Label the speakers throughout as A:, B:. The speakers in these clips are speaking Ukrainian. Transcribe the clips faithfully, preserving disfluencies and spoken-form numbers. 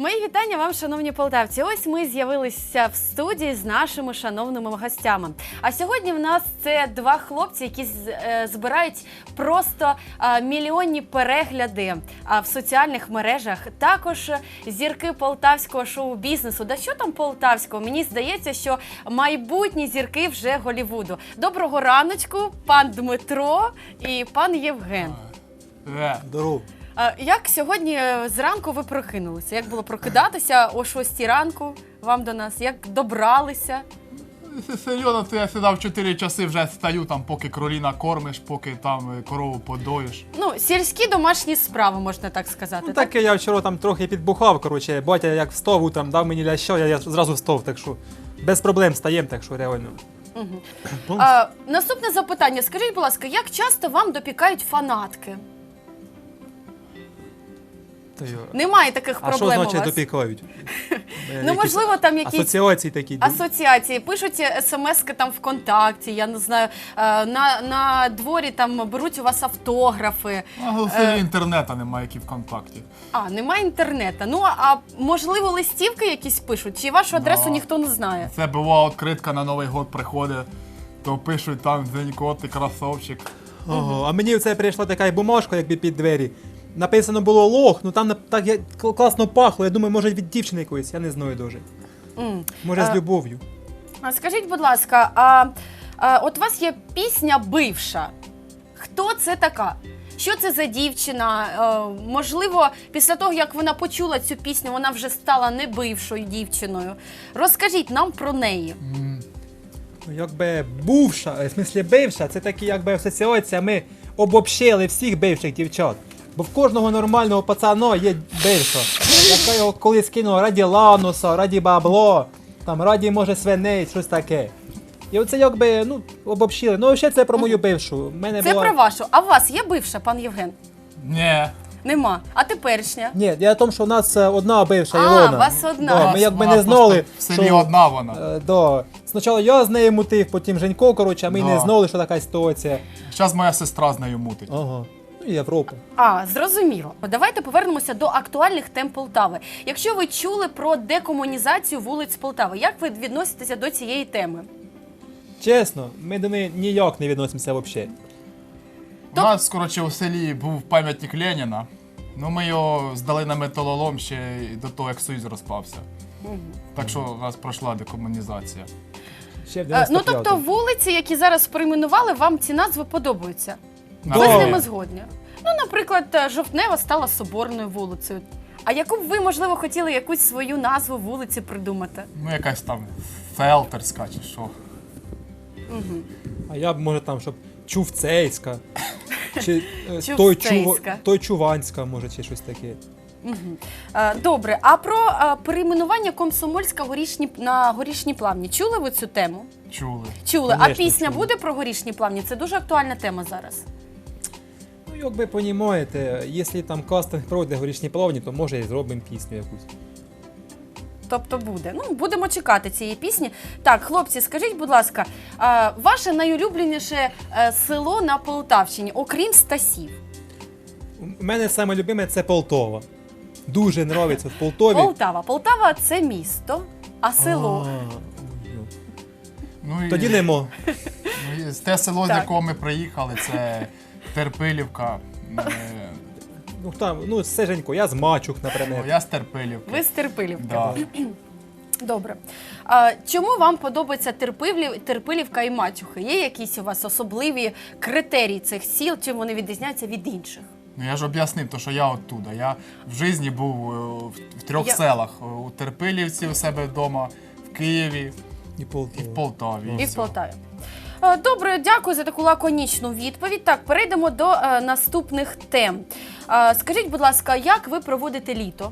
A: Мої вітання вам, шановні полтавці. Ось ми з'явилися в студії з нашими шановними гостями. А сьогодні в нас це два хлопці, які збирають просто мільйонні перегляди в соціальних мережах. Також зірки полтавського шоу-бізнесу. Да що там полтавського? Мені здається, що майбутні зірки вже Голлівуду. Доброго раночку, пан Дмитро і пан Євген.
B: Здорово.
A: Як сьогодні зранку ви прокинулися? Як було прокидатися о шостій ранку вам до нас? Як добралися?
B: Серйозно, то я сідав чотири часи, вже стою там, поки кроліна кормиш, поки там корову подоїш.
A: Ну, сільські домашні справи, можна так сказати.
C: Ну,
A: так?
C: таке я вчора там трохи підбухав, коротше, батя як встав, там дав мені лящо, я, я зразу встав, так що без проблем стаєм, так що реально.
A: Угу. А, наступне запитання. Скажіть, будь ласка, як часто вам допікають фанатки? Немає таких
C: а
A: проблем у вас?
C: А що значить допікають?
A: Ну, можливо, там якісь
C: асоціації такі.
A: Асоціації. Пишуть смски там ВКонтакті, я не знаю, на, на дворі там беруть у вас автографи.
B: А в селі інтернету немає, як і ВКонтакті.
A: А, немає інтернету. Ну, а можливо, листівки якісь пишуть? Чи вашу адресу
B: Да.
A: ніхто не знає?
B: Це була відкритка на Новий год приходить, то пишуть там «Зенько, ти красавчик».
C: Ого, а мені це прийшла така бумажка, якби під двері. Написано було лох, ну там так я, класно пахло, я думаю, може від дівчини якоїсь, я не знаю дуже.
A: Mm.
C: Може
A: а,
C: з любов'ю.
A: А скажіть, будь ласка, а, а от у вас є пісня «Бивша». Хто це така? Що це за дівчина? Е, можливо, після того, як вона почула цю пісню, вона вже стала не бившою дівчиною. Розкажіть нам про неї.
B: Mm.
C: Ну, якби бувша, в смислі бивша, це такі якби асоціація, ми обобщили всіх бивших дівчат. Бо в кожного нормального пацана є бивша, яка його колись кинула раді лануса, раді бабло, там раді, може, свиней, щось таке. І оце якби, ну, обобщили. Ну, ще це про мою бившу. Мене
A: Це
C: була...
A: про вашу. А у вас є бивша, пан Євген?
B: Ні.
A: Нема. А теперішня?
C: Ні, я в тому, що в нас одна бивша
A: А,
C: Ілона.
A: у вас одна.
C: Да, ми якби
B: Вона
C: не знали,
B: просто в селі
C: що...
B: одна вона.
C: Е, да. Спочатку я з нею мутив, потім Женько, коротше, а ми
B: Да.
C: не знали, що така ситуація.
B: Зараз моя сестра з нею мутить.
C: Ага. Ну, і Європа.
A: А, зрозуміло. Давайте повернемося до актуальних тем Полтави. Якщо ви чули про декомунізацію вулиць Полтави, як ви відноситеся до цієї теми?
C: Чесно, ми до неї ніяк не відносимося взагалі.
B: У нас, коротше, у селі був пам'ятник Леніна. Ну, ми його здали на металолом ще до того, як Союз розпався.
A: Угу.
B: Так що у нас пройшла декомунізація.
C: Ще в
A: Ну,
C: дев'яносто
A: тобто
C: п'ятому.
A: вулиці, які зараз перейменували, вам ці назви подобаються?
B: Да.
A: Ви з
B: Да.
A: ними згодні? Ну, наприклад, Жовтнева стала Соборною вулицею. А яку б ви, можливо, хотіли якусь свою назву вулиці придумати?
B: Ну, якась там Фелтерська чи що.
A: Угу.
C: А я б, може, там, щоб Чувцейська. Чи е, той,
A: Чувцейська.
C: Чу... той Чуванська, може, чи щось таке.
A: Угу. Е, добре, а про е, перейменування Комсомольська горішні, на Горішні Плавні. Чули ви цю тему?
B: Чули.
A: Чули.
C: Конечно,
A: а пісня
C: чули.
A: буде про Горішні Плавні? Це дуже актуальна тема зараз.
C: Ну, як ви розумієте, якщо там кастинг пройде горішні плавні, то може і зробимо пісню якусь.
A: Тобто буде. Ну, будемо чекати цієї пісні. Так, хлопці, скажіть, будь ласка, е, ваше найулюбленіше е, село на Полтавщині, окрім Стасів?
C: У мене саме любиме це Полтова. Дуже подобається в Полтові.
A: Полтава. Полтава – це місто, а село?
C: А, ну.
B: Ну, і,
C: Тоді немо.
B: ну, і те село, з
A: Так.
B: якого ми приїхали, це Терпилівка. Е,
C: Ну, там, ну, все Женько, я з Мачух,
B: ну,
C: наприклад.
B: я з Терпилівки.
A: Ви з Терпилівки.
B: Да.
A: Добре. А, чому вам подобається Терпилів, Терпилівка і Мачухи? Є якісь у вас особливі критерії цих сіл, чим вони відрізняються від інших?
B: Ну я ж об'яснив, то, що я оттуда. Я в житті був е, в, в трьох
A: Я-
B: селах. У Терпилівці у себе вдома, в Києві
C: І
B: і
C: Полтова.
B: в Полтаві.
A: І в
B: все.
A: Полтаві. Е, Добре, дякую за таку лаконічну відповідь. Так, перейдемо до е, наступних тем. Е, скажіть, будь ласка, як ви проводите літо?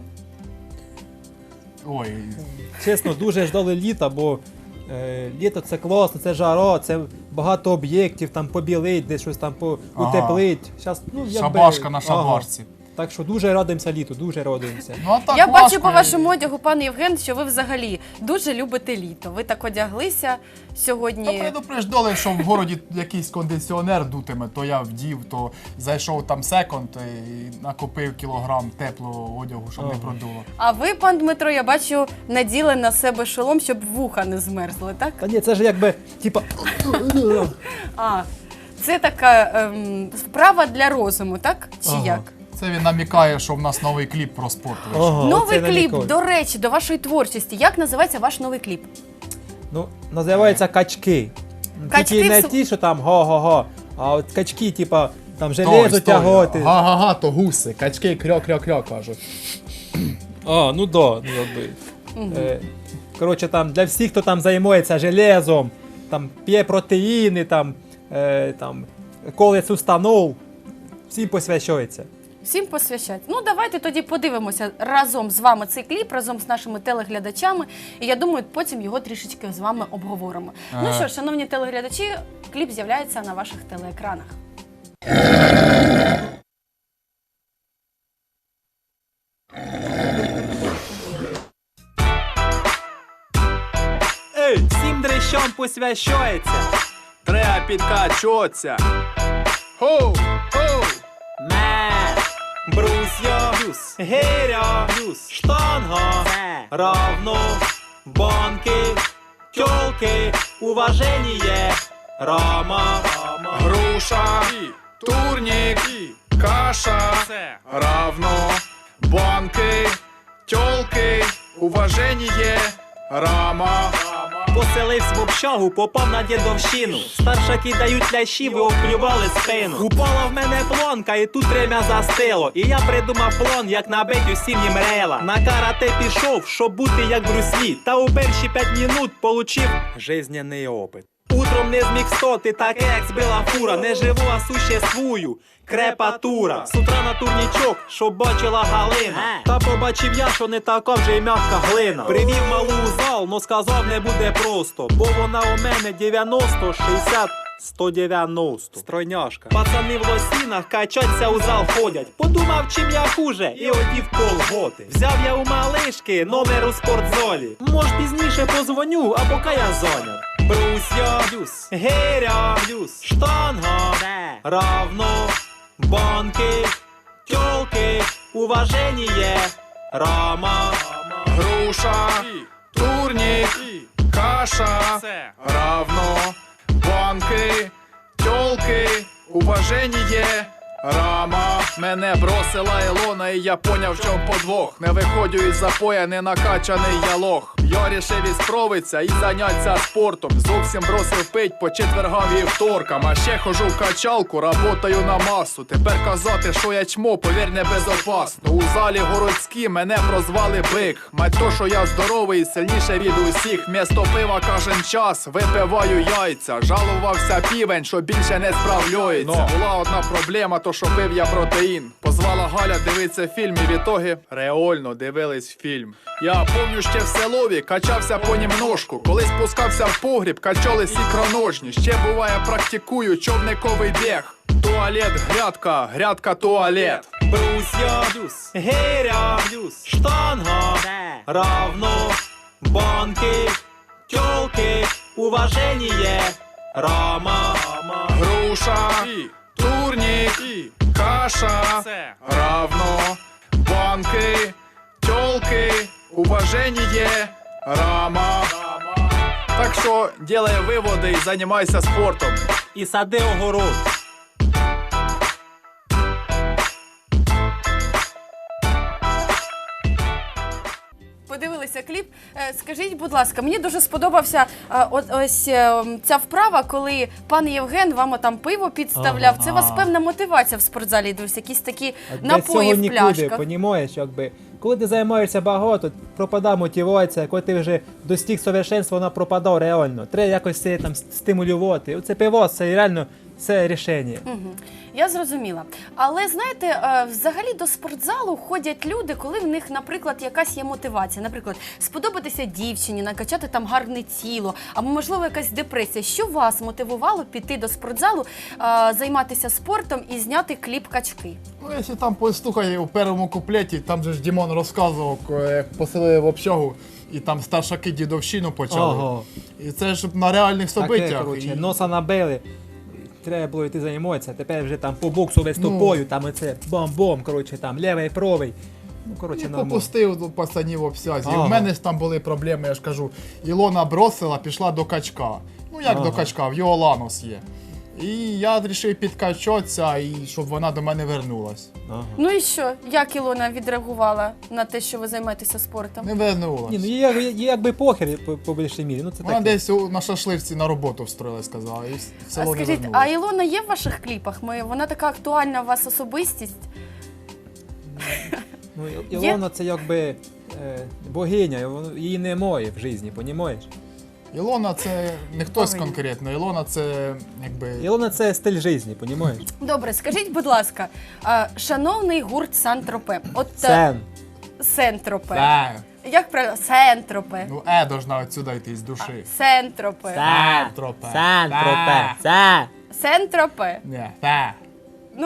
B: Ой,
C: Чесно, дуже ждали літа, бо е, літо це класно, це жара, це багато об'єктів, там побілить, десь щось там по,
B: Ага.
C: утеплить. Щас, ну, якби-
B: шабашка на
C: ага.
B: шабашці.
C: Так що дуже радуємося літу, дуже радуємося.
B: Ну, а так
A: Я
B: важко
A: бачу по
B: і-
A: вашому одягу, пане Євген, що ви взагалі дуже любите літо. Ви так одяглися
B: Та
A: сьогодні.
B: предупреждали, що в городі якийсь кондиціонер дутиме, то я вдів, то зайшов там секонд і накупив кілограм теплого одягу, щоб не
C: Ага.
B: продуло.
A: А ви, пан Дмитро, я бачу, наділи на себе шолом, щоб вуха не змерзли, так?
C: Та ні, це ж якби, типа,
A: А, це така ем, вправа для розуму, так? Чи
C: Ага.
A: як?
B: Це він намікає, що в нас новий кліп про спорт вийшов.
C: ага,
A: Новий
C: оце
A: кліп,
C: намікаю.
A: до речі, до вашої творчості. Як називається ваш новий кліп?
C: Ну, називається качки.
A: Качки
C: Тільки не
A: в су-
C: ті, що там го-го-го, а от качки, типа, там
B: Стой,
C: железо
B: стой.
C: тяготи.
B: Га-га-га, то гуси, качки крьо-крьо-крьо, кажуть.
C: А, ну да, ну якби. Е, коротше, там для всіх, хто там займається железом, там п'є протеїни, там, е, там коле сустанов, всім посвящається.
A: Всім посвящать. Ну, давайте тоді подивимося разом з вами цей кліп, разом з нашими телеглядачами. І я думаю, потім його трішечки з вами обговоримо. Ну
B: Ага.
A: що ж, шановні телеглядачі, кліп з'являється на ваших телеекранах.
C: Ей, всім дрищам посвящається.
B: Треба підкачатися. Хоу, хоу.
C: Ме, брусьо, гиря, штанга, равно, банки, тёлки, уважение, рама,
B: Груша, турнік, каша, равно, банки, тьолки, уваження, рама.
D: Поселився в общагу, попав на дідовщину. Старшаки дають лящів і обклювали спину. Упала в мене плонка, і тут время застило. І я придумав план, як набить усім їм рейла. На карате пішов, щоб бути як Брюс Лі. Та у перші п'ять минут получив жизненний опит. Утром не зміг стоти, так як збила фура. Не живу, а существую. Крепатура. З утра на турнічок, щоб бачила Галина. Та побачив я, що не така вже й м'яка глина. Привів малу у зал, но сказав, не буде просто. Бо вона у мене дев'яносто, шістдесят, сто дев'яносто. Стройняшка. Пацани в лосінах качаться у зал ходять. Подумав, чим я хуже, і одів колготи. Взяв я у малишки номер у спортзолі. Мож пізніше позвоню, а поки я зайнят. Брусья, гиря, штанга, равно, банки, тёлки, уважение, рама,
B: Груша, турнік, каша, равно, банки, тьолки, уваження, рама. Мене бросила Ілона, і я поняв, в чому подвох. Не виходжу із запоя, не накачаний я лох. Я рішив ісправитися і заняться спортом. Зовсім бросив пить по четвергам і вторкам. А ще хожу в качалку, работаю на масу. Тепер казати, що я чмо, повір, не безопасно. У залі городські мене прозвали бик. Мать то, що я здоровий і сильніше від усіх. Місто пива кожен час, випиваю яйця. Жалувався півень, що більше не справляється. Була одна проблема, то що пив я протеїн. Позвала Галя дивитися фільм, і в ітогі реально дивились фільм. Я помню, ще в селові качався понімножку. Коли спускався в погріб, качались ікроножні. Ще буває практикую човниковий біг. Туалет, грядка, грядка, туалет.
D: брусья, гиря, штанга, равно, банки, тёлки, уважение, рама,
B: Груша, турнік, каша, равно, банки, тьолки, уваження, рама. Так що делай виводи і займайся спортом.
D: і сади огород.
A: Подивилися кліп. Е, Скажіть, будь ласка, мені дуже сподобався е, от ось е, ця вправа, коли пан Євген вам там пиво підставляв. Це у вас певна мотивація в спортзалі, дивлюсь, якісь такі напої в
C: нікуди,
A: пляшках.
C: понімаєш, якби. Коли ти займаєшся багато, пропадає мотивація, коли ти вже достиг совершенства, вона пропадає реально. Треба якось це там стимулювати. Оце пиво, це реально це рішення.
A: Мгм. Я зрозуміла. Але знаєте, е, взагалі до спортзалу ходять люди, коли в них, наприклад, якась є мотивація. Наприклад, сподобатися дівчині, накачати там гарне тіло, або, можливо, якась депресія. Що вас мотивувало піти до спортзалу, е, займатися спортом і зняти кліп качки?
B: Ну, якщо там послухай у першому куплеті, там же ж Дімон розказував, як поселили в общагу, і там старшаки дідовщину почали.
C: Ого.
B: І це ж на реальних
C: Таке,
B: событиях.
C: коротше,
B: І-
C: носа набили. Треба було йти займатися, тепер вже там по боксу виступою, там оце бом-бом, коротше, там лівий, правий. Ну, коротше,
B: І
C: нормально.
B: попустив до пацанів обсязі. І
C: Ага.
B: в мене ж там були проблеми, я ж кажу. Ілона бросила, пішла до качка. Ну як
C: Ага.
B: до качка, в його ланос є. І я вирішив підкачатися, і щоб вона до мене вернулась.
C: Ага.
A: Ну і що? Як Ілона відреагувала на те, що ви займаєтеся спортом?
B: Не вернулась.
C: Ні, ну є, є, є якби похер по, по більшій мірі, ну це
B: Вона
C: таке.
B: десь у- на шашливці на роботу встроїлась, сказала, і в
A: А
B: село не
A: скажіть, а
B: вернулась.
A: Ілона є в ваших кліпах? Ми, вона така актуальна у вас особистість?
C: Ну, І- Ілона це якби е, богиня, і воно- її немає в житті, понімаєш?
B: Ілона це не хтось
A: Богиня.
B: конкретно, Ілона це якби.
C: Ілона це стиль життя, понімаєш?
A: Добре, скажіть, будь ласка, а, шановний гурт Сан-Тропе, от е,
C: Сен.
A: Сен-Тропе.
B: Е,
A: Як правильно? Сен-Тропе.
B: ну е должна отсюда йти з душі.
A: Сен-Тропе.
B: Тропе.
C: Сан-Тропе.
B: Е.
C: Сан.
A: Сен-Тропе.
B: Ні, е.
A: Ну,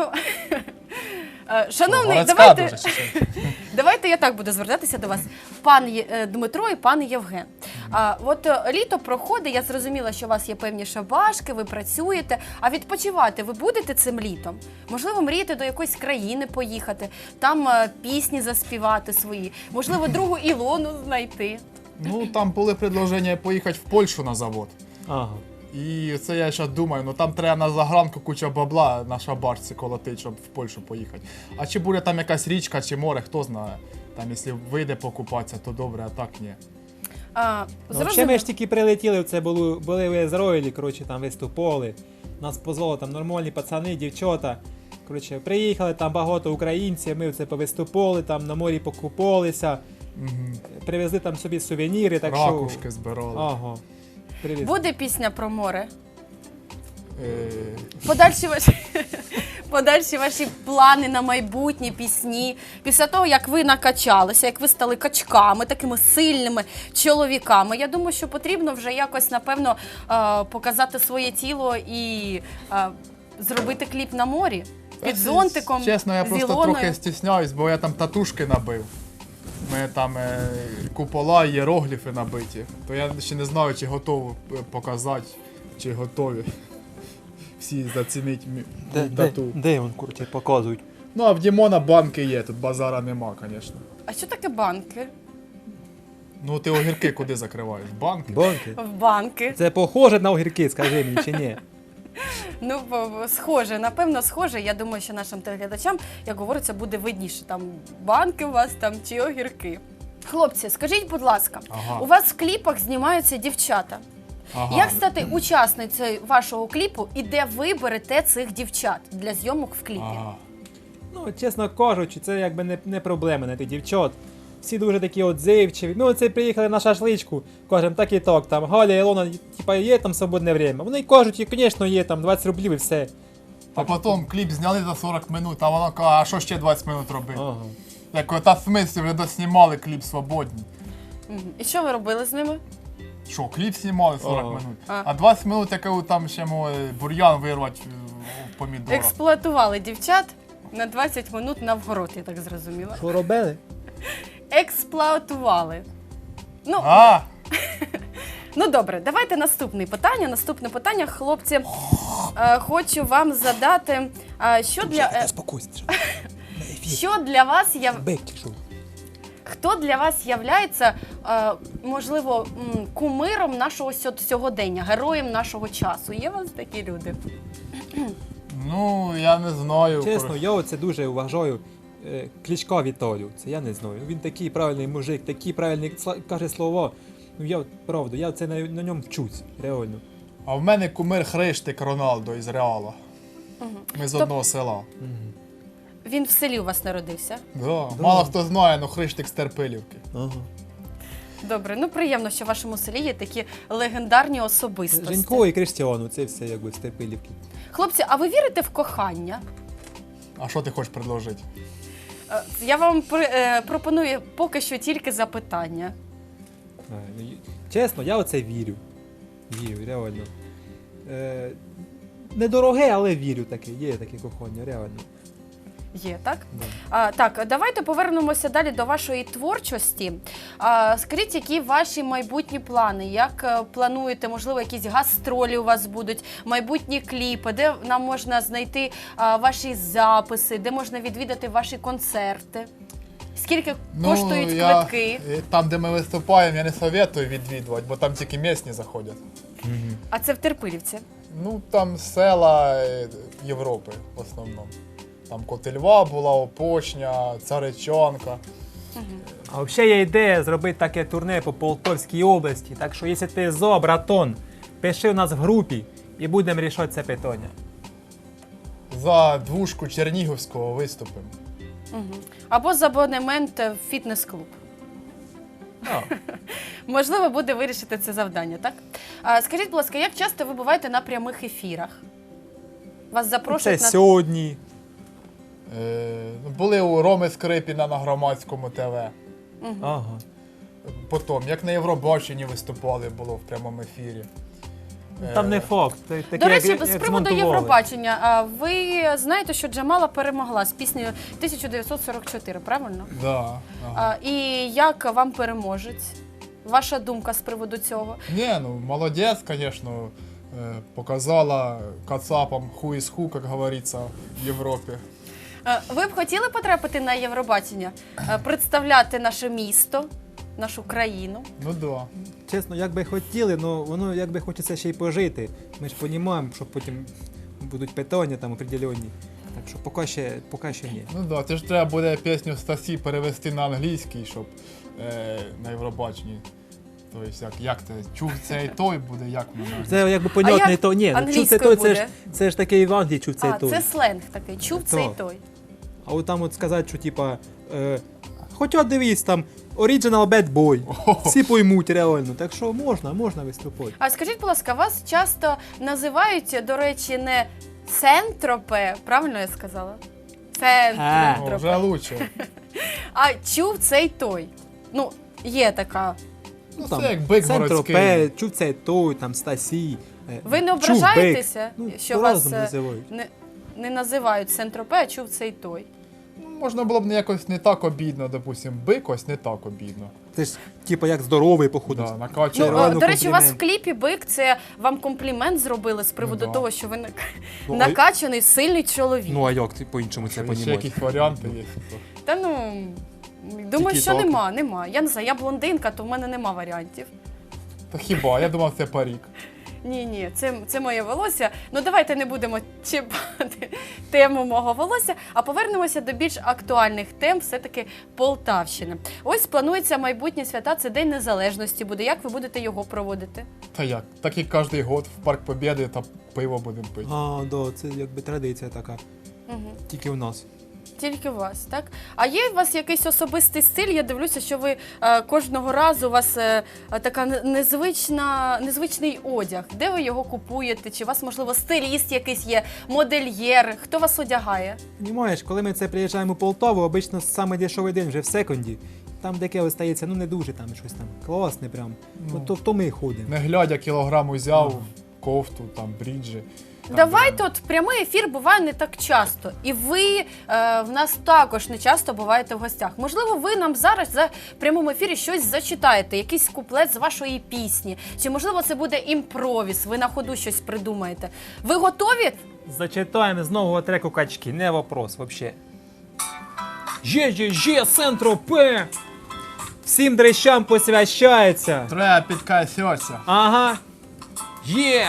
A: е, шановний,
B: Городська
A: давайте,
B: дуже чи що?
A: давайте я так буду звертатися до вас. Пан Є- е, Дмитро і пан Євген. А, от е, літо проходить, я зрозуміла, що у вас є певні шабашки, ви працюєте, а відпочивати ви будете цим літом? Можливо, мрієте до якоїсь країни поїхати, там е, пісні заспівати свої, можливо, другу Ілону знайти.
B: Ну там були предложення поїхати в Польщу на завод.
C: Ага.
B: І це я зараз думаю, ну там треба на загранку куча бабла на шабашці колотить, щоб в Польщу поїхати. А чи буде там якась річка чи море, хто знає. Там, якщо вийде покупатися, то добре, а так ні.
A: А,
C: Ну, взагалі
A: зрозуміло.
C: ми ж тільки прилетіли, це були, були в Ізраїлі, коротше, там виступали. Нас позвали там нормальні пацани, дівчата. Коротше, приїхали, там багато українців, ми це повиступали, там на морі покупалися,
B: Угу.
C: привезли там собі сувеніри, так що...
B: Ракушки збирали.
C: Ага. Привезли.
A: Буде пісня про море?
B: Е,
A: Подальші ваші, подальші ваші плани на майбутні пісні. Після того, як ви накачалися, як ви стали качками, такими сильними чоловіками, я думаю, що потрібно вже якось, напевно, е, показати своє тіло і е, зробити кліп на морі. Під зонтиком,
B: Чесно, я
A: з
B: просто
A: Ілоною.
B: трохи стісняюсь, бо я там татушки набив. У мене там е, купола, іерогліфи набиті. То я ще не знаю, чи готовий е, показати, чи готові. Всі зацінить мій
C: Де,
B: мій
C: де,
B: тату.
C: де він, коротше, показують?
B: Ну, а в Дімона банки є, тут базара нема, звісно.
A: А що таке банки?
B: Ну, ти огірки куди закриваєш? Банки?
C: Бонки.
A: В банки.
C: Це похоже на огірки, скажи мені, чи ні?
A: Ну, бо- бо схоже, напевно, схоже. Я думаю, що нашим телеглядачам, як говориться, буде видніше. Там банки у вас там чи огірки. Хлопці, скажіть, будь ласка,
B: Ага.
A: у вас в кліпах знімаються дівчата.
B: Ага.
A: Як стати учасницею вашого кліпу і де ви берете цих дівчат для зйомок в кліпі?
B: Ага.
C: Ну, чесно кажучи, це якби не, не проблема на тих дівчат. Всі дуже такі отзивчиві. Ми оце приїхали на шашличку, кажемо, так і так, там Галя, Ілона, типа, є там свободне время. Вони кажуть, і, звісно, є там двадцять рублів і все.
B: А потім кліп зняли за сорок минут, а вона каже, а що ще двадцять минут робити?
C: Ага.
B: Я кажу, та в смислі, вже доснімали кліп свободні.
A: Мгм. І що ви робили з ними?
B: Що, кліп знімали сорок
C: Ага.
B: минут?
A: А.
B: А двадцять минут, яке там ще може бур'ян вирвати в помідорах.
A: Експлуатували дівчат на двадцять минут на вгород, я так зрозуміла.
C: Що робили?
A: Експлуатували. Ну,
B: А,
A: Ну добре, давайте наступне питання. Наступне питання, хлопці, е, хочу вам задати, е, що для е,
C: Спокойся.
A: що для вас яв...
C: Бик чи що?
A: хто для вас являється, е, можливо, м, кумиром нашого сьо- сьогодення, героєм нашого часу? Є у вас такі люди?
B: ну, я не знаю.
C: Чесно, я оце дуже вважаю е, Кличка Віталю. Це я не знаю. Він такий правильний мужик, такі правильні сла- каже слова. Ну я от, правда, я це на, на ньому вчусь, реально.
B: А в мене кумир Хриштик Роналдо із Реала. Ми з
A: Тоб-
B: одного села.
A: Він в селі у вас народився.
B: Да. Мало хто знає, але Хриштик з Терпилівки.
C: Ага.
A: Добре, ну приємно, що в вашому селі є такі легендарні особистості.
C: Женько і Криштіану, це все якби з Терпилівки.
A: Хлопці, а ви вірите в кохання?
B: А що ти хочеш предложити?
A: Е, Я вам при- е, пропоную поки що тільки запитання.
C: А, ну, й- Чесно, я оце вірю. Вірю, реально. Е, недороге, але вірю таке. Є таке кохання, реально.
A: Є, так?
C: Да.
A: А, так, давайте повернемося далі до вашої творчості. А, скажіть, які ваші майбутні плани? Як е, плануєте, можливо, якісь гастролі у вас будуть, майбутні кліпи, де нам можна знайти а, ваші записи, де можна відвідати ваші концерти? Скільки коштують
B: Ну, я-
A: квитки?
B: е, Там, де ми виступаємо, я не советую відвідувати, бо там тільки місні заходять.
A: А це в Терпилівці.
B: Ну, там села е, Європи в основному. Там Котельва була, Опочня, Царичанка.
C: А взагалі є ідея зробити таке турне по Полтавській області. Так що, якщо ти зо, братон, пиши у нас в групі і будемо рішати це питання.
B: За двушку Чернігівського виступимо.
A: Угу. Або за абонемент в фітнес-клуб.
C: А.
A: Можливо, буде вирішити це завдання, так? А, скажіть, будь ласка, як часто ви буваєте на прямих ефірах? Вас
C: Це
A: запрошують на...
C: сьогодні.
B: Е, були у Роми Скрипіна на громадському ТВ.
C: Ага.
B: Потім, як на Євробаченні виступали, було в прямому ефірі.
C: Там
B: Е,
C: не факт. Це таке,
A: До речі,
C: як-
A: з
C: як
A: приводу
C: змонтували.
A: Євробачення, а, ви знаєте, що Джамала перемогла з піснею тисяча дев'ятсот сорок чотири, правильно?
B: Да, ага.
A: А, і як вам переможець? Ваша думка з приводу цього?
B: Ні, ну молодець, звісно, е, показала кацапам ху із ху, як говориться, в Європі.
A: Е, Ви б хотіли потрапити на Євробачення, е, представляти наше місто, нашу країну?
B: Ну да.
C: Чесно, як би хотіли, але воно як би хочеться ще й пожити. Ми ж розуміємо, що потім будуть питання там определенні. Так що поки ще, поки ще ні.
B: Ну да, це ж треба буде пісню Стасі перевести на англійський, щоб е, на Євробаченні. Тобто, як, як це? Чув це і той буде, як воно?
C: Це якби понятно,
A: як
C: то ні. Ну, чув це
A: англійською
C: той, це ж,
A: буде?
C: це ж такий в Англії чув це
A: А,
C: і той.
A: це сленг такий, чув цей
C: Так.
A: той.
C: А от там от сказати, що типа, е, хоча дивись там, Original Bad Boy. Всі поймуть реально. Так що можна, можна виступати.
A: А скажіть, будь ласка, вас часто називають, до речі, не Сентропе, правильно я сказала?
B: О,
A: Сентропе.
B: вже лучше.
A: А чув цей той. Ну, є така.
B: Ну, це як бик
C: Сентропе,
B: городський.
C: чув це той, там Стасі. е,
A: Ви не
C: чув
A: ображаєтеся,
C: бик. Ну,
A: що вас
C: по-разному
A: е,
C: називають.
A: не, не називають Сентропе, а чув цей той?
B: Ну, можна було б не якось не так обідно, допустим, бик ось не так обідно.
C: Це ж типа як здоровий, походу.
B: Да,
A: Ну,
B: накачує.
C: реально
A: о, до речі, у вас в
C: комплімент.
A: кліпі бик, це вам комплімент зробили з приводу
B: Ну, да.
A: того, що ви нак-
C: Ну, а-
A: накачаний, сильний чоловік.
C: Ну а як ти по-іншому це
B: Ще
C: понімаєш?
B: якісь варіанти є.
A: Та ну, думаю,
B: Тільки
A: що
B: так.
A: нема, нема. Я не знаю, я блондинка, то в мене нема варіантів.
B: Та хіба? Я думав, це парік.
A: Ні, ні, це, це моє волосся. Ну давайте не будемо чіпати тему мого волосся, а повернемося до більш актуальних тем, все-таки Полтавщини. Ось планується майбутнє свята, це День Незалежності буде. Як ви будете його проводити?
B: Та як? Так і кожен год в Парк Побєди та пиво будемо пити.
C: А, да, це якби традиція така.
A: Угу.
C: Тільки в нас.
A: Тільки у вас, так? А є у вас якийсь особистий стиль? Я дивлюся, що ви е, кожного разу у вас е, е, така не- незвична, незвичний одяг. Де ви його купуєте? Чи у вас, можливо, стиліст якийсь є, модельєр? Хто вас одягає?
C: Понімаєш, коли ми це приїжджаємо у Полтаву, обично саме дешевий день вже в секунді. Там таке остається, ну не дуже там щось там класне прям.
B: Ну.
C: Ну, то, то ми і ходимо.
B: Не глядя, кілограм узяв, кофту, там, бріджі. Там,
A: Давайте,
B: де-
A: от прямий ефір буває не так часто. І ви е, в нас також не часто буваєте в гостях. Можливо, ви нам зараз за прямому ефірі щось зачитаєте, якийсь куплет з вашої пісні. Чи можливо це буде імпровіз, ви на ходу щось придумаєте. Ви готові?
C: Зачитаємо з нового треку качки, не вопрос вообще. Же-же-же, Сентропе! Всім дрищам посвящається.
B: Треба підкасятися.
C: Ага. Є!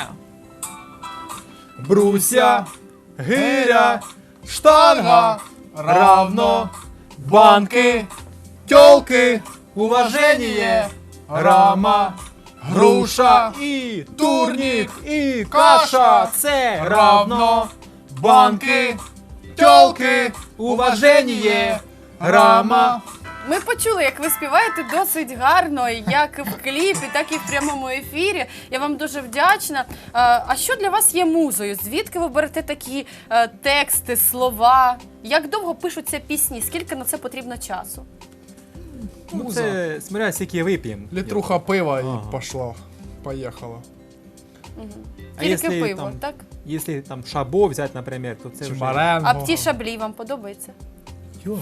C: Бруся, гиря, штанга, равно, банки, тёлки, уважение, рама, груша і турнік, і каша. Це равно, банки, тёлки, уважение, рама,
A: Ми почули, як ви співаєте досить гарно, як в кліпі, так і в прямому ефірі. Я вам дуже вдячна. А, а що для вас є музою? Звідки ви берете такі е, тексти, слова? Як довго пишуться пісні? Скільки на це потрібно часу?
C: Ну,
B: Муза.
C: це смотря скільки вип'ємо.
B: Літруха пива
C: Ага.
B: і пошла. Поїхала.
C: А
A: Тільки
C: якщо
A: пиво,
C: там-
A: так?
C: Якщо там шабо взяти, наприклад, то це
B: Чи
C: вже...
B: маренго.
A: А пті шаблі вам подобається?
C: Йо.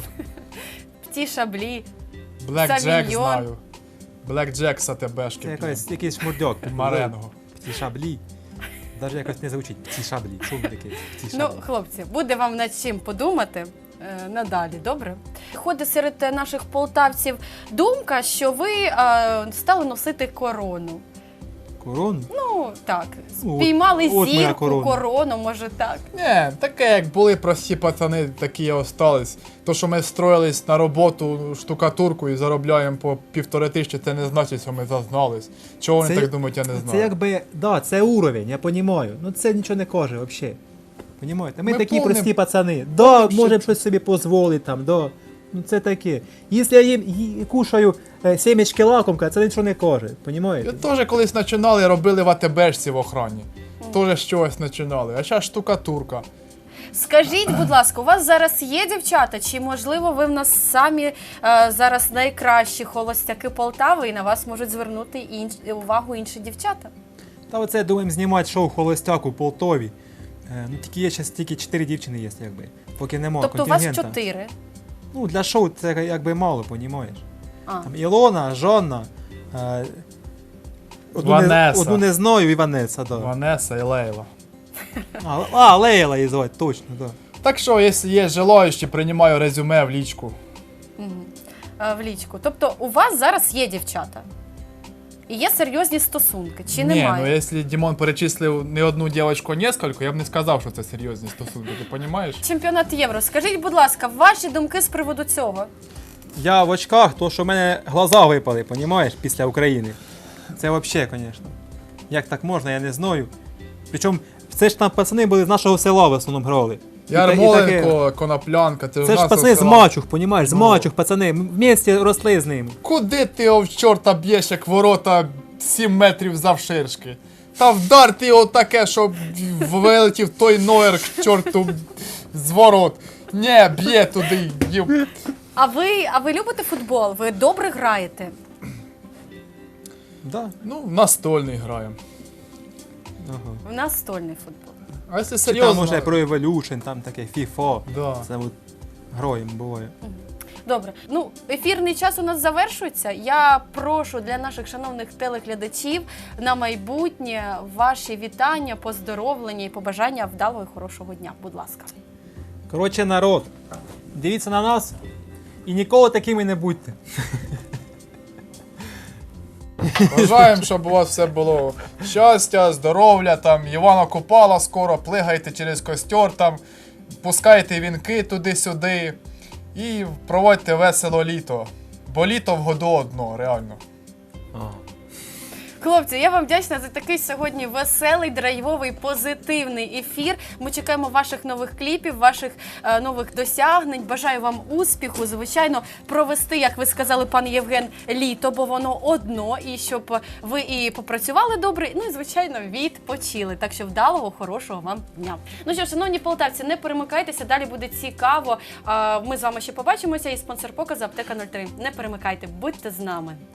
A: Пті шаблі.
B: Блек Джек
A: Савіньйон.
B: знаю. Блек Джек з
C: Це
B: АТБшки.
C: якийсь, якийсь шмурдьок.
B: Маренго.
C: Ці шаблі. Навіть якось не звучить. Ці шаблі. Що він такий? Ці
A: Ну,
C: шаблі.
A: хлопці, буде вам над чим подумати е, надалі, добре? Ходить серед е, наших полтавців думка, що ви е, стали носити корону.
C: Корону?
A: Ну, так,
C: Ну,
A: спіймали
C: от- от моя
A: зірку,
C: корона.
A: корону, може так.
B: Ні, таке, як були прості пацани, такі і остались. То, що ми строїлись на роботу штукатурку і заробляємо по півтори тисячі, це не значить, що ми зазнались. Чого вони
C: Це-
B: так думають, я не
C: Це
B: знаю.
C: якби, да, це уровень, я розумію. Ну це нічого не каже взагалі. Понімаєте? Ми,
B: Ми
C: такі
B: помним-
C: прості пацани. Да,
B: помним,
C: можемо
B: що-
C: щось собі дозволити там, да. Ну це таке. Якщо я їм ї- кушаю е, сімечки лакомка, це нічого не каже.
B: Я
C: Понімаєте?
B: теж колись починали, робили в АТБшці в охрані. Теж з чогось починали. А зараз штукатурка.
A: Скажіть, будь ласка, у вас зараз є дівчата, чи можливо ви в нас самі е, зараз найкращі холостяки Полтави і на вас можуть звернути інш... увагу інші дівчата?
C: Та оце думаємо знімати шоу Холостяк у Полтові. Е, ну тільки є зараз тільки чотири дівчини є, якби. Поки немає
A: Тобто у вас
C: контингента.
A: чотири.
C: Ну для шоу це якби мало, понімаєш.
A: А.
C: Там Ілона, Жонна, е, одну, не,
B: Ванеса.
C: одну не знаю і Ванеса, да.
B: Ванеса і Лейла.
C: А, а Лейла її звати, точно, да.
B: Так що, якщо є желаючі, приймаю резюме в лічку.
A: Мгм. Е, В лічку. Тобто у вас зараз є дівчата? І є серйозні стосунки, чи
B: Ні,
A: немає?
B: ну якщо Дімон перечислив не одну дівчинку, а несколько, я б не сказав, що це серйозні стосунки, ти розумієш?
A: Чемпіонат Євро. Скажіть, будь ласка, ваші думки з приводу цього?
C: Я в очках, то що в мене глаза випали, понімаєш, після України. Це взагалі, звісно. Як так можна, я не знаю. Причому це ж там пацани були з нашого села в основному грали. І та- і таке-
B: Ярмоленко, Коноплянка, це,
C: Це
B: в
C: ж
B: нас
C: пацани з
B: села.
C: мачух, понімаєш, з
B: Ну.
C: мачух, пацани. Ми в місті росли з ними.
B: Куди ти його в чорта б'єш, як ворота сім метрів завширшки? Та вдар ти його таке, щоб вилетів той ноєр к чорту з ворот. Ні, б'є туди. Юп.
A: А ви, а ви любите футбол? Ви добре граєте?
C: Да.
B: Ну, настольний граємо.
C: Ага.
A: У нас стольний футбол.
B: А якщо
C: Чи там
B: серйозно...
C: уже про Evolution, там таке FIFA.
B: Да.
C: Це от гроєм буває.
A: Добре, ну ефірний час у нас завершується. Я прошу для наших шановних телеглядачів на майбутнє ваші вітання, поздоровлення і побажання вдалого і хорошого дня. Будь ласка.
C: Коротше, народ, дивіться на нас і ніколи такими не будьте.
B: Бажаємо, щоб у вас все було щастя, здоров'я, там, Івана Купала скоро, плигайте через костер, там, пускайте вінки туди-сюди і проводьте весело літо. Бо літо в году одно, реально.
A: Хлопці, я вам вдячна за такий сьогодні веселий, драйвовий, позитивний ефір. Ми чекаємо ваших нових кліпів, ваших е, нових досягнень. Бажаю вам успіху, звичайно, провести, як ви сказали, пан Євген, літо, бо воно одно, і щоб ви і попрацювали добре, ну і, звичайно, відпочили. Так що вдалого, хорошого вам дня. Ну що, шановні полтавці, не перемикайтеся, далі буде цікаво. Е, Ми з вами ще побачимося, і спонсор показу Аптека нуль три. Не перемикайте, будьте з нами.